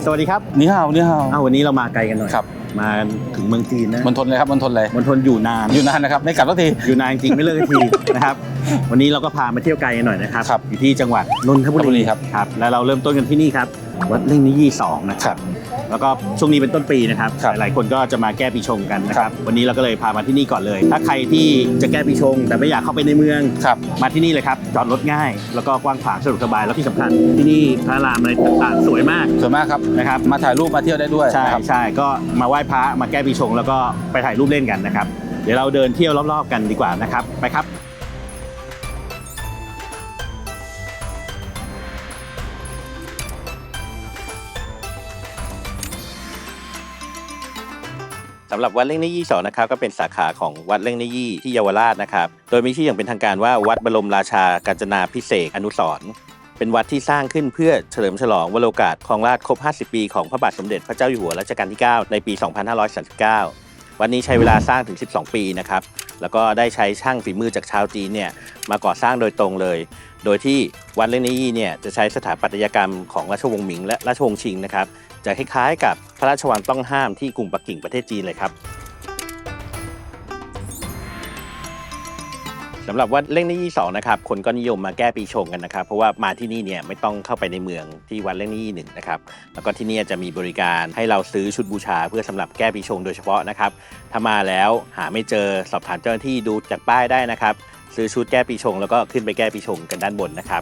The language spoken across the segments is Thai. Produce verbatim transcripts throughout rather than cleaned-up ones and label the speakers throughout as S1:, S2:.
S1: สวัสดีครับ
S2: นี่ฮาวนี่ฮาว
S1: อ้าววันนี้เรามาไกลกันหน่อย
S2: ครับ
S1: มาถึงเมืองจีนนะ
S2: มณฑลเลยครับมณฑลเลย
S1: มณฑลอยู่นาน
S2: อยู่นานนะครับไม่กลับสักที
S1: อยู่นานจริงไม่เลิกทีนะครับวันนี้เราก็พามาเที่ยวไกลกันหน่อยนะครับอยู่ที่จังหวัดนนทบุรี
S2: ครับ
S1: ครับแล้วเราเริ่มต้นกันที่นี่ครับวัดเล่งนิยี่สองนะครับแล้วก็ช่วงนี้เป็นต้นปีนะครับหลายคนก็จะมาแก้ปีชงกันนะครับวันนี้เราก็เลยพามาที่นี่ก่อนเลยถ้าใครที่จะแก้ปีชงแต่ไม่อยากเข้าไปในเมืองมาที่นี่เลยครับจอดรถง่ายแล้วก็กว้างขวางสะดวกสบายแล้วที่สำคัญที่นี่พระรามอะไรต่างๆสวยมาก
S2: สวยมากครับ
S1: นะครับ
S2: มาถ่ายรูปมาเที่ยวได้ด้วย
S1: ใช่ใช่ก็มาไหว้พระมาแก้ปีชงแล้วก็ไปถ่ายรูปเล่นกันนะครับเดี๋ยวเราเดินเที่ยวรอบๆกันดีกว่านะครับไปครับสำหรับวัดเล่งนิยี่สองนะครับก็เป็นสาขาของวัดเล่งนิยี่ที่เยาวราชนะครับโดยมีชื่ออย่างเป็นทางการว่าวัดบรมราชากาญจนาภิเษกอนุสรณ์เป็นวัดที่สร้างขึ้นเพื่อเฉลิมฉลองวโรกาสครองราชย์ครบห้าสิบปีของพระบาทสมเด็จพระเจ้าอยู่หัวรัชกาลที่เก้าในปีสองพันห้าร้อยสามสิบเก้าวันนี้ใช้เวลาสร้างถึงสิบสองปีนะครับแล้วก็ได้ใช้ช่างฝีมือจากชาวจีนเนี่ยมาก่อสร้างโดยตรงเลยโดยที่วัดเล่งนิยี่เนี่ยจะใช้สถาปัตยกรรมของราชวงศ์หมิงและราชวงศ์ชิงนะครับจะคล้ายๆกับพระราชวังต้องห้ามที่กรุงปักกิ่งประเทศจีนเลยครับสำหรับวัดเล่งนิยี่สองนะครับคนก็นิยมมาแก้ปีชงกันนะครับเพราะว่ามาที่นี่เนี่ยไม่ต้องเข้าไปในเมืองที่วัดเล่งนิยี่หนึ่งนะครับแล้วก็ที่นี่จะมีบริการให้เราซื้อชุดบูชาเพื่อสำหรับแก้ปีชงโดยเฉพาะนะครับถ้ามาแล้วหาไม่เจอสอบถามเจ้าหน้าที่ดูจากป้ายได้นะครับซื้อชุดแก้ปีชงแล้วก็ขึ้นไปแก้ปีชงกันด้านบนนะครับ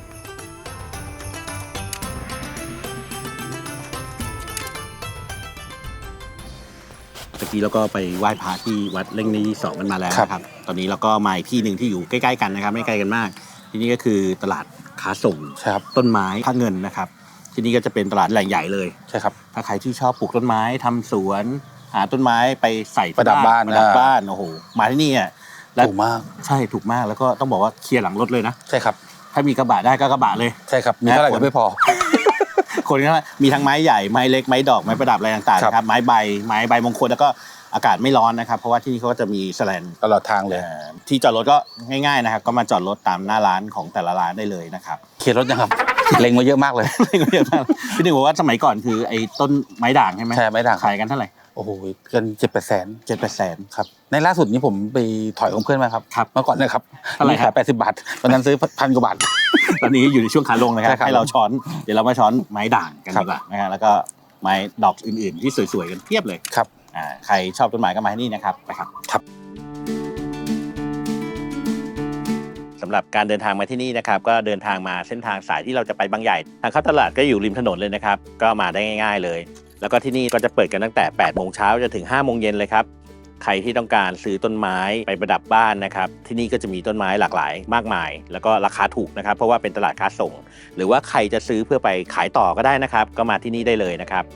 S1: เมื่อกี้เราก็ไปไหว้พระที่วัดเล่งนิยี่สองกันมาแล้วนะครับตอนนี้เราก็มาอีกที่หนึ่งที่อยู่ใกล้ๆกันนะครับไม่ไกลกันมากที่นี่ก็คือตลาดค้าส่งต้นไม้พระเงินนะครับที่นี่ก็จะเป็นตลาดแหล่งใหญ่เลย
S2: ใช่ครับ
S1: ถ้าใครที่ชอบปลูกต้นไม้ทำสวนหาต้นไม้ไปใส่
S2: ประดับบ้าน
S1: ประดับบ้านโอ้โหมาที่นี่อ่ะ
S2: ถูกมาก
S1: ใช่ถูกมากแล้วก็ต้องบอกว่าเคลียร์หลังรถเลยนะ
S2: ใช่ครับ
S1: ถ้ามีกระบะได้ก็กระบะเลย
S2: ใช่ครับมีเท่าไหร่ก็ไม่พอ
S1: คนก็มีทั้งไม้ใหญ่ไม้เล็กไม้ดอกไม้ประดับอะไรต่างๆนะครับไม้ใบไม้ใบมงคลแล้วก็อากาศไม่ร้อนนะครับเพราะว่าที่นี่เขาก็จะมีแสแลน
S2: ตลอดทางเลย
S1: ที่จอดรถก็ง่ายๆนะครับก็มาจอดรถตามหน้าร้านของแต่ละร้านได้เลยนะครับ
S2: เคลียร์รถยังครับเล็งมาเยอะมากเลย
S1: เล็งมาเยอะมากพี่หนึ่งบอกว่าสมัยก่อนคือไอ้ต้นไม้ด่างใช่ไหม
S2: ใช่ไม้ด่าง
S1: ขายกันเท่าไหร่
S2: โอ้โหเกินเจ็ดแปดแสน
S1: เจ็ดแปดแสน
S2: ครับในล่าสุดนี้ผมไปถอยของเพื่อนมาครับ
S1: ครับ
S2: เมื่อก่อนนะครับเท่าไหร่ขายแปดสิบบาทวันนั้นซื้อพันกว่าบาท
S1: ตอนนี้อยู่ในช่วงขาลงนะครับให้เราช้อนเดี๋ยวเรามาช้อนไม้ด่างกันดีกว่านะฮะแล้วก็ไม้ดอกอื่นๆที่สวยๆกันเพียบเลย
S2: ครับ
S1: อ่าใครชอบต้นไม้ก็มาที่นี่นะครับไปครับ
S2: ครับ
S1: สำหรับการเดินทางมาที่นี่นะครับก็เดินทางมาเส้นทางสายที่เราจะไปบางใหญ่ทางเข้าตลาดก็อยู่ริมถนนเลยนะครับก็มาได้ง่ายๆเลยแล้วก็ที่นี่ก็จะเปิดกันตั้งแต่แปดโมงเช้าจนถึงห้าโมงเย็นเลยครับใครที่ต้องการซื้อต้นไม้ไปประดับบ้านนะครับที่นี่ก็จะมีต้นไม้หลากหลายมากมายแล้วก็ราคาถูกนะครับเพราะว่าเป็นตลาดค้าส่งหรือว่าใครจะซื้อเพื่อไปขายต่อก็ได้นะครับก็มาที่นี่ได้เลยนะครับ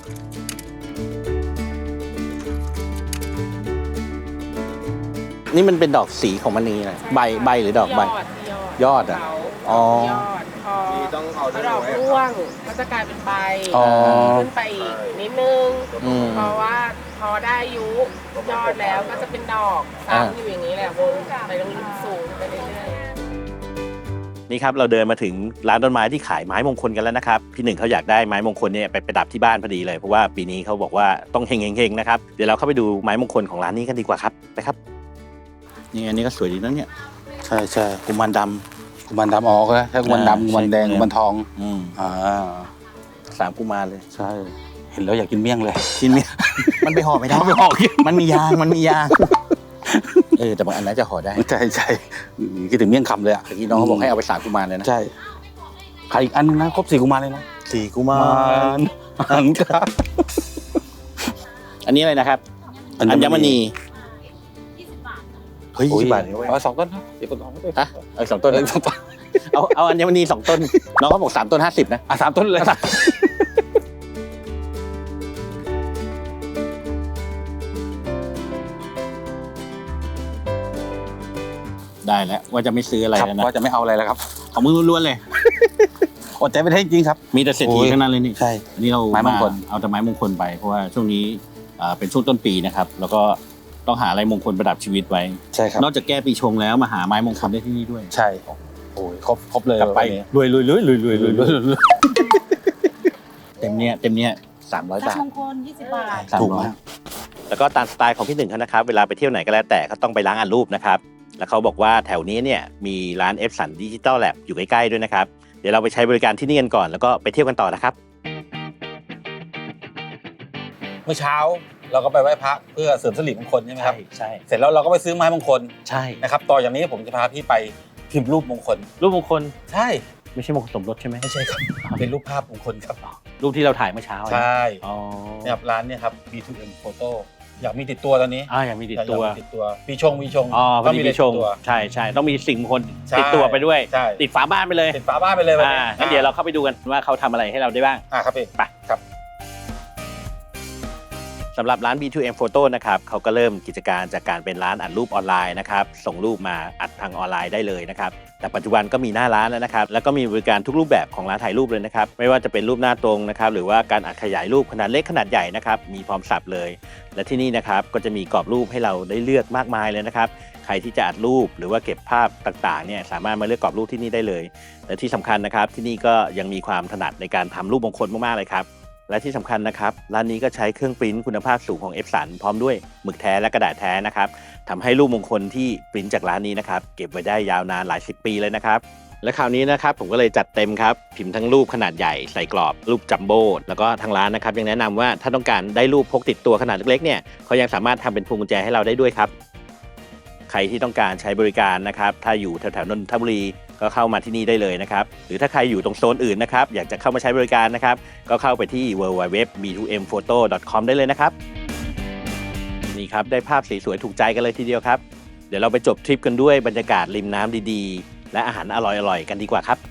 S1: นี่มันเป็นดอกสีของมันนี่นะใบใบหรือดอกใบยอดอ่ะ
S3: อ๋อยอดพอพอดอกร่วงก็จะกลายเป็นใบขึ้นไปอีกนิดนึงเพราะว่าพอได้อายุยอดแล้วก็จะเป็นดอกซ้ำอยู่อย่างนี้แหละวนไปลงสูงไปเรื่อย
S1: ๆนี่ครับเราเดินมาถึงร้านต้นไม้ที่ขายไม้มงคลกันแล้วนะครับพี่หนึ่งเขาอยากได้ไม้มงคลเนี่ยไปประดับที่บ้านพอดีเลยเพราะว่าปีนี้เขาบอกว่าต้องเฮงๆๆนะครับเดี๋ยวเราเข้าไปดูไม้มงคลของร้านนี้กันดีกว่าครับไปครับนี่อันนี้ก็สวยดีนะเนี่ย
S2: ใช่ใช่
S1: กุมารดำ
S2: กุมารดำออกแล้วถ้ากุมารดำกุมารแดงกุมารทอง
S1: อืมอ่าสามกุมารเลย
S2: ใช่เห็นแล้วอยากกินเมี่ยงเลย
S1: กินเมี่ยงมันไปห่อไม่ได้
S2: ไปห่อ
S1: มันมียางมันมียางเออแต่บางอันน่าจะห่อได้
S2: ใช่ใช่คิดถึงเมี่ยงคำเลยอ่ะ
S1: เมื่อกี้น้องเขาบอกให้เอาไปสามกุมารเลยนะ
S2: ใช่ใครอีกอันนะครบสี่กุมารเลยนะ
S1: สี่กุมารอันครับอันนี้อะไรนะครับอัญมณีเฮ้ยยี่สิบบาท
S2: เอาสองต้นนะเดี๋ยวสองต้น
S1: ฮะเอาสองต้นสองต้นเอาเอาอัญมณีสองต้นน้องเขาบอกสามต้นห้าสิบนะ
S2: อ่ะสามต้นเลย
S1: ได้แล้วว่าจะไม่ซื้ออะไรแล้วนะ
S2: ว่าจะไม่เอาอะไรแล้วครับ
S1: ของมือล้วนๆเลย
S2: อดใจไม่ได้จริงครับ
S1: มีแต่เศรษฐีทั้งนั้นเลยนี่
S2: ใช่
S1: นี่เรา
S2: ไม้มงคล
S1: เอาแต่ไม้มงคลไปเพราะว่าช่วงนี้เป็นช่วงต้นปีนะครับแล้วก็ต้องหาอะไรมงคลประดับชีวิตไว้
S2: ใช่ครับ
S1: นอกจากแก้ปีชงแล้วมาหาไม้มงคลได้ที่นี่ด้วย
S2: ใช่โอ้ยครบครบเลย
S1: กลับไปรวยรวยรวยรวยรวยรวยเต็มเนี้ยเต็มเนี้ย
S2: สามร้อย
S4: สัก
S2: บาท
S4: มงคลยี่สิบบาท
S2: ถูกมาก
S1: แล้วก็ตามสไตล์ของพี่หนึ่งเขานะครับเวลาไปเที่ยวไหนก็แล้วแต่เขาต้องไปล้างอัดรูปนะครับแล้วเขาบอกว่าแถวนี้เนี่ยมีร้านเอฟสันดิจิตอลแลบอยู่ใกล้ๆด้วยนะครับเดี๋ยวเราไปใช้บริการที่นี่กันก่อนแล้วก็ไปเที่ยวกันต่อนะครับ
S2: เมื่อเช้าเราก็ไปไหว้พระเพื่อเสริมสิริมงคลใช่ไหมครับ
S1: ใช่
S2: เสร็จแล้วเราก็ไปซื้อไม้มงคล
S1: ใช่
S2: นะครับต่ออย่างนี้ผมจะพาพี่ไปพิมพ์รูปมงคล
S1: รูปมงคล
S2: ใช่
S1: ไม่ใช่มงคลสมรสใช่ไหม
S2: ไม่ใช่ครับเป็นรูปภาพมงคลครับ
S1: รูปที่เราถ่ายเมื่อเช้า
S2: ใช่
S1: อ๋อ
S2: เนี่ยครับร้านเนี่ยครับ บี ทู เอ็ม Photo อยากมีติดตัวตอนนี้
S1: อ่าอย่างมีติดตัว
S2: อยากมีติดตัวปีชงปีชง
S1: อ๋อพอดี
S2: ต้
S1: มีชง
S2: ติดตัว
S1: ใช่ใช่ต้องมีสิ่งมงคล
S2: ใช่
S1: ติดตัวไปด้วย
S2: ใช่
S1: ติดฝาบ้านไปเลย
S2: ติดฝาบ้านไปเลยวัน
S1: อ่า
S2: นี้
S1: งั้นเดี๋ยวเราเข้าไปดูกันว่าเขาทำอะไรให้เราได้บ้าง
S2: อ่าครับพี่
S1: ไป
S2: ครับ
S1: สำหรับร้าน บี ทู เอ็ม Photo นะครับเขาก็เริ่มกิจการจากการเป็นร้านอัดรูปออนไลน์นะครับส่งรูปมาอัดทางออนไลน์ได้เลยนะครับแต่ปัจจุบันก็มีหน้าร้านแล้วนะครับแล้วก็มีบริการทุกรูปแบบของร้านถ่ายรูปเลยนะครับไม่ว่าจะเป็นรูปหน้าตรงนะครับหรือว่าการอัดขยายรูปขนาดเล็กขนาดใหญ่นะครับมีพร้อมสับเลย และที่นี่นะครับก็จะมีกรอบรูปให้เราได้เลือกมากมายเลยนะครับใครที่จะอัดรูปหรือว่าเก็บภาพต่างๆเนี่ยสามารถมาเลือกกรอบรูปที่นี่ได้เลยและที่สำคัญนะครับที่นี่ก็ยังมีความถนัดในการทำรูปมงคลมากๆเลยครับและที่สำคัญนะครับร้านนี้ก็ใช้เครื่องปริ้นคุณภาพสูงของ เอฟสัน พร้อมด้วยหมึกแท้และกระดาษแท้นะครับทำให้รูปมงคลที่ปริ้นจากร้านนี้นะครับเก็บไว้ได้ยาวนานหลายสิบปีเลยนะครับและคราวนี้นะครับผมก็เลยจัดเต็มครับพิมพ์ทั้งรูปขนาดใหญ่ใส่กรอบรูปจัมโบ้แล้วก็ทางร้านนะครับยังแนะนำว่าถ้าต้องการได้รูปพกติดตัวขนาดเล็กๆเนี่ยเขายังสามารถทำเป็นพวงกุญแจให้เราได้ด้วยครับใครที่ต้องการใช้บริการนะครับถ้าอยู่แถวๆนนทบุรีก็เข้ามาที่นี่ได้เลยนะครับหรือถ้าใครอยู่ตรงโซนอื่นนะครับอยากจะเข้ามาใช้บริการนะครับก็เข้าไปที่ ดับเบิลยู ดับเบิลยู ดับเบิลยู ดอท บี ทู เอ็ม โฟโต้ ดอท คอม ได้เลยนะครับนี่ครับได้ภาพสวยๆถูกใจกันเลยทีเดียวครับเดี๋ยวเราไปจบทริปกันด้วยบรรยากาศริมน้ำดีๆและอาหารอร่อยๆกันดีกว่าครับ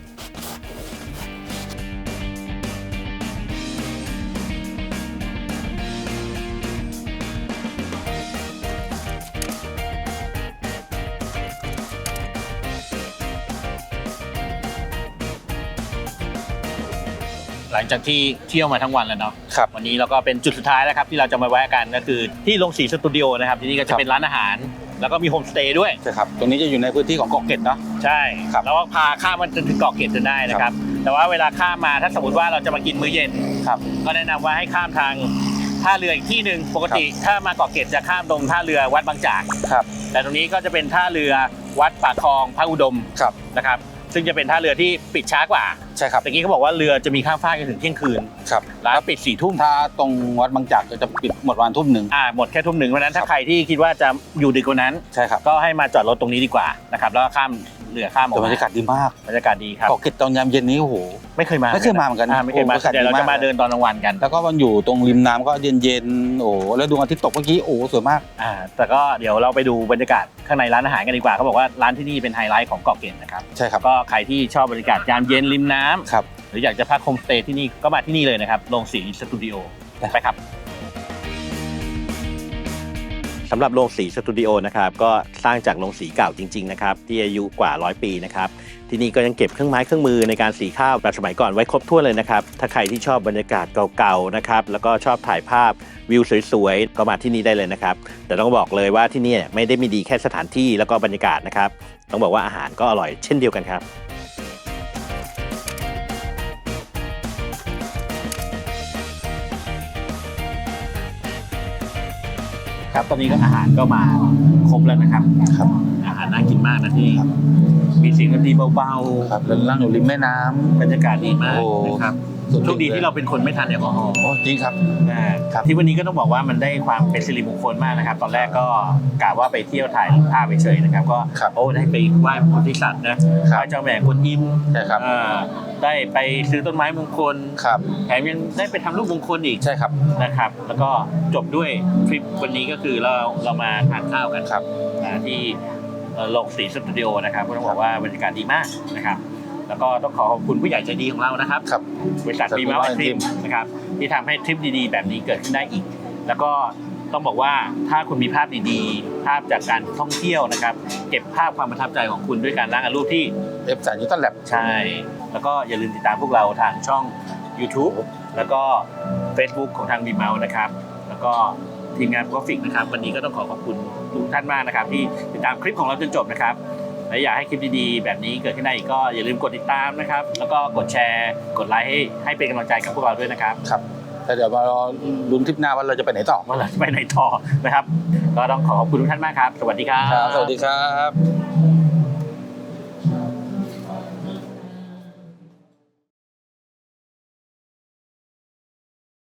S1: หลังจากที่เที่ยวมาทั้งวันแล้วเนาะ
S2: ครับ
S1: วันนี้เราก็เป็นจุดสุดท้ายแล้วครับที่เราจะมาแวะกันก็คือที่ลงสีสตูดิโอนะครับที่นี่ก็จะเป็นร้านอาหารแล้วก็มีโฮมสเตย์ด้วย
S2: ใช่ครับตรงนี้จะอยู่ในพื้นที่ของเกาะเกร็ดเนาะ
S1: ใช่
S2: ครับ
S1: แล้วก็พาข้ามมันจนถึงเกาะเกร็ดจนได้นะครับแต่ว่าเวลาข้ามมาถ้าสมมติว่าเราจะมากินมื้อเย็น
S2: ครับ
S1: ก็แนะนำว่าให้ข้ามทางท่าเรืออีกที่หนึ่งปกติถ้ามาเกาะเกร็ดจะข้ามตรงท่าเรือวัดบางจาก
S2: ครับ
S1: แต่ตรงนี้ก็จะเป็นท่าเรือวัดปากคลองพระอุดม
S2: ครับ
S1: นะครับซึ่งจะเป็นท่าเรือที่ปิดช้ากว่า
S2: ใช่ครับ
S1: ตะกี้เขาบอกว่าเรือจะมีข้ามฟากจนถึงเที่ยงคืน
S2: ครับ
S1: ร้านปิดสี่ทุ่ม
S2: ถ้าตรงวัดบางจากจะปิดหมดวันทุ่มหนึ่ง
S1: อ่าหมดแค่ทุ่มหนึ่งเพราะฉะนั้นถ้าใครที่คิดว่าจะอยู่ดึกกว่านั้น
S2: ใช่ครับ
S1: ก็ให้มาจอดรถตรงนี้ดีกว่านะครับแล้วก็ข้ามเรือข้ามออก
S2: แต่บร
S1: มาร
S2: ยากาศดีมาก
S1: บรรยากาศดีครับ
S2: เกาะเกร็ดตอนยามเย็นนี้โอ้โห
S1: ไม่เคยมา
S2: ไม่เคยมาเหมือนกัน
S1: อ่าไม่เคยมา
S2: โอ้บรรยากาศ
S1: เดี๋ยวเรา
S2: ดีมาก
S1: จะมาเดินตอนกลางวันกัน
S2: แล้วก็มันอยู่ตรงริมน้ำก็เย็นๆโอ้แล้วดวงอาทิตย์ตกเมื่อกี้โอ้สวยมาก
S1: อ่าแต่ก็เดี๋ยวเราไปดูบรรยากาศข้างในร้านอาหารกันดีกว่าเขาบอกว่าร้านที่นี่เป็นไฮไลท์ของเกาะเกร็ดนะครับ
S2: ใช่ครับ
S1: ก็ใครที่ชอบบรรยากาศยามเย็นริมน้ำ
S2: ครับ
S1: หรืออยากจะพักโฮมสเตย์ที่นี่ก็มาที่นี่เลยนะครับโรงสีสตูดิโอไปครับสำหรับโรงสีสตูดิโอนะครับก็สร้างจากโรงสีเก่าจริงๆนะครับที่อายุกว่าร้อยปีนะครับที่นี่ก็ยังเก็บเครื่องไม้เครื่องมือในการสีข้าวแบบสมัยก่อนไว้ครบถ้วนเลยนะครับถ้าใครที่ชอบบรรยากาศเก่าๆนะครับแล้วก็ชอบถ่ายภาพวิวสวยๆก็มาที่นี่ได้เลยนะครับแต่ต้องบอกเลยว่าที่นี่ไม่ได้มีดีแค่สถานที่แล้วก็บรรยากาศนะครับต้องบอกว่าอาหารก็อร่อยเช่นเดียวกันครับครับตอนนี้ก็อาหารก็มาครบแล้วนะครับ
S2: ครับ
S1: อาหารน่ากินมากนะที่นี่มีเสียงดนตรีเบา
S2: ครับแล้วนั่งอยู่ริมแม่น้ำ
S1: ๆบรรยากาศดีมาก
S2: โอ้
S1: นะครับโชคดีที่เราเป็นคนไม่ทานแอลกอฮอล์
S2: โอ้จริงครับ ครับ
S1: ที่วันนี้ก็ต้องบอกว่ามันได้ความเป็นสิริมงคลมากนะครับ ตอนแรกก็กะว่าไปเที่ยวถ่ายภาพเฉยๆนะครับก็
S2: ครับ
S1: โอ้ได้ไปไหว้พระโพธิสัตว์นะไหว้เจ้าแม่กวนอิม
S2: ใช่ครับ
S1: อ่าได้ไปซื้อต้นไม้มงคล
S2: ครับ
S1: แถมยังได้ไปทำรูปมงคลอีก
S2: ใช่ครับ
S1: นะครับแล้วก็จบด้วยทริปวันนี้ก็คือเราเรามาทานข้าวกัน
S2: ครับ
S1: อ่าที่เอ่อโรงสีสตูดิโอนะครับก็ต้องบอกว่าบรรยากาศดีมากนะครับแล้วก็ต้องขอขอบคุณผู้ใหญ่ใจดีของเรานะครับ
S2: ครับ
S1: บริษัท
S2: บริษัท
S1: บีมาร์
S2: บีมาร์
S1: ทริปนะครับที่ทำให้ทริปดีๆ แบบนี้เกิดขึ้นได้อีก แล้วก็ต้องบอกว่าถ้าคุณมีภาพดีๆ ภาพจากการท่องเที่ยวนะครับเก็บภาพความประทับใจของคุณด้วยการล้างรูปที่
S2: เอฟสันยูตันแลบ
S1: ใช่แล้วก็อย่าลืมติดตามพวกเราทางช่อง YouTube แล้วก็ Facebook ของทางบีมาร์นะครับแล้วก็ทีมงานกราฟิกนะครับวันนี้ก็ต้องขอขอบคุณทุกท่านมากนะครับที่ติดตามคลิปของเราจนจบนะครับและอยากให้คลิปดีๆแบบนี้เกิดขึ้นได้อีกก็อย่าลืมกดติดตามนะครับแล้วก็กดแชร์กดไลค์ให้ให้เป็นกำลังใจกับพวกเราด้วยนะครับ
S2: ครับแต่เดี๋ยวมารอลุ้นทริปหน้าว่าเราจะไปไหนต่อ
S1: ว่าเราจะไปไหนต่อนะครับก็ต้องขอขอบคุณทุกท่านมากครับสวัสดีครับ
S2: ครับสวัสดีครับ